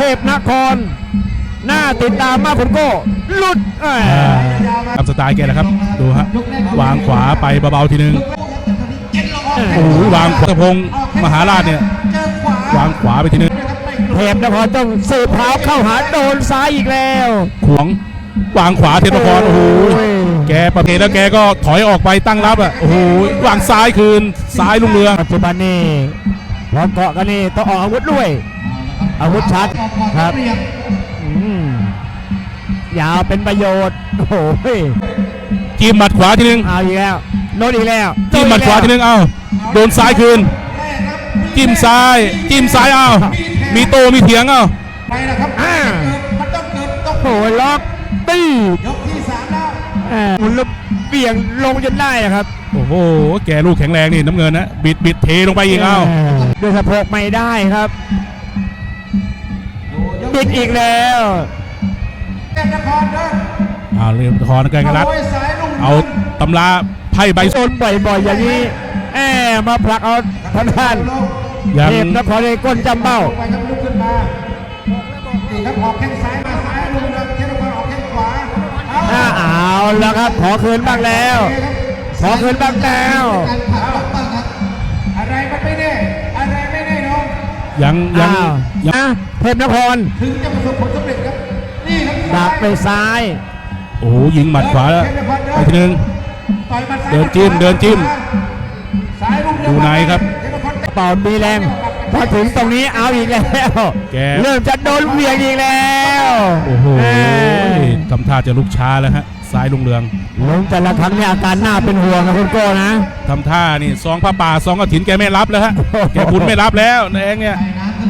พนครหน้าติดตามมากคุณโก้หลุดตามสไตล์แกนะครับดูฮะวางขวาไปเบาๆทีนึงโอ้วางขวาพงมหาราชเนี่ยวางขวาไปทีนึงเทพนครต้องสืบเท้าเข้าหาโดนซ้ายอีกแล้วขวงวางขวาเทพนครโอ้โหแกประเพณแล้วแกก็ถอยออกไปตั้งรับอ่ะโอ้โหวางซ้ายคืนซ้ายลุ่งเรืองปัจจุบันนี้พอเกาะกันนี่ต้องออกอาวุธด้วยอาวุธชัดครับยาวเป็นประโยชน์โอ้โหจิ้มหมัดขวาทีนึงเอาอีกแล้วโดนอีกแล้วจิ้มหมัดขวาทีนึงเอาโดนซ้ายคืนจิ้มซ้ายเอามีโตมีเถียงเอาไปนะครับมันต้องเกิดต้องโอ้ล็อกตียกที่3แล้วหมุนแล้วเบี่ยงลงจนได้นะครับโอ้โหแกลูกแข็งแรงนี่น้ำเงินนะบิดเทลงไปอีกเอาด้วยสะโพกไม่ได้ครับบิดอีกแล้วเรื่องคอนกันรัดเอาตำราไพ่ใบโซนบ่อยๆอย่างนี้มาผลักเอาท่านเทพนครในก้นจำเบ้าลุกขึ้นมานี่ครับออกแข้งซ้ายมาซ้ายลุกนะเทพนครออกแข้งขวาเอาแล้วครับขอคืนบ้างแล้วอะไรมันไม่แน่อะไรไม่แน่น้องยังเทพนครถึงจะประสบผลสำเร็จครับนี่ครับดักไปซ้ายโอ้ยิงหมัดขวาแล้วไปทีนึงเดินจิ้มดูไหนครับเป่ามีแรงพอถึงตรงนี้เอาอีกแล้วเริ่มจะโดนเวียงอีกแล้วโอ้โหทำท่าจะลุกช้าแล้วฮะซ้ายลุงเรืองลงแต่ละครั้งเนี่ยอาการหน้าเป็นห่วงนะคุณโก้นะทำท่านี่ซองผ้าป่าซองกฐินแกไม่รับแล้วฮะแกบุญไม่รับแล้วนายเองเนี่ย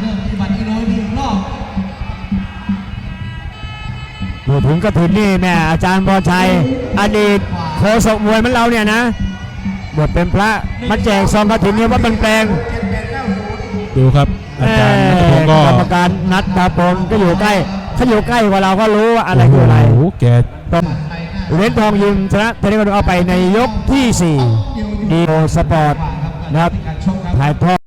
พูดถึงกฐินนี่แม่อาจารย์พรชัยอดีตโฆษกมวยมันเราเนี่ยนะบทเป็นพระมาแจกซองกฐินเนี่ยว่าเป็นแปลงดูครับอาจารย์นัทพงศ์ก็กรรมการนัทพงศ์ก็อยู่ใกล้เขาอยู่ใกล้กว่าเราก็รู้ว่าอะไรคืออะไรโอ้แกต้องเหรียญทองยิมชนะเทนนิสเอาไปในยกที่4ดีโอสปอร์ตนะครับถ่ายทอด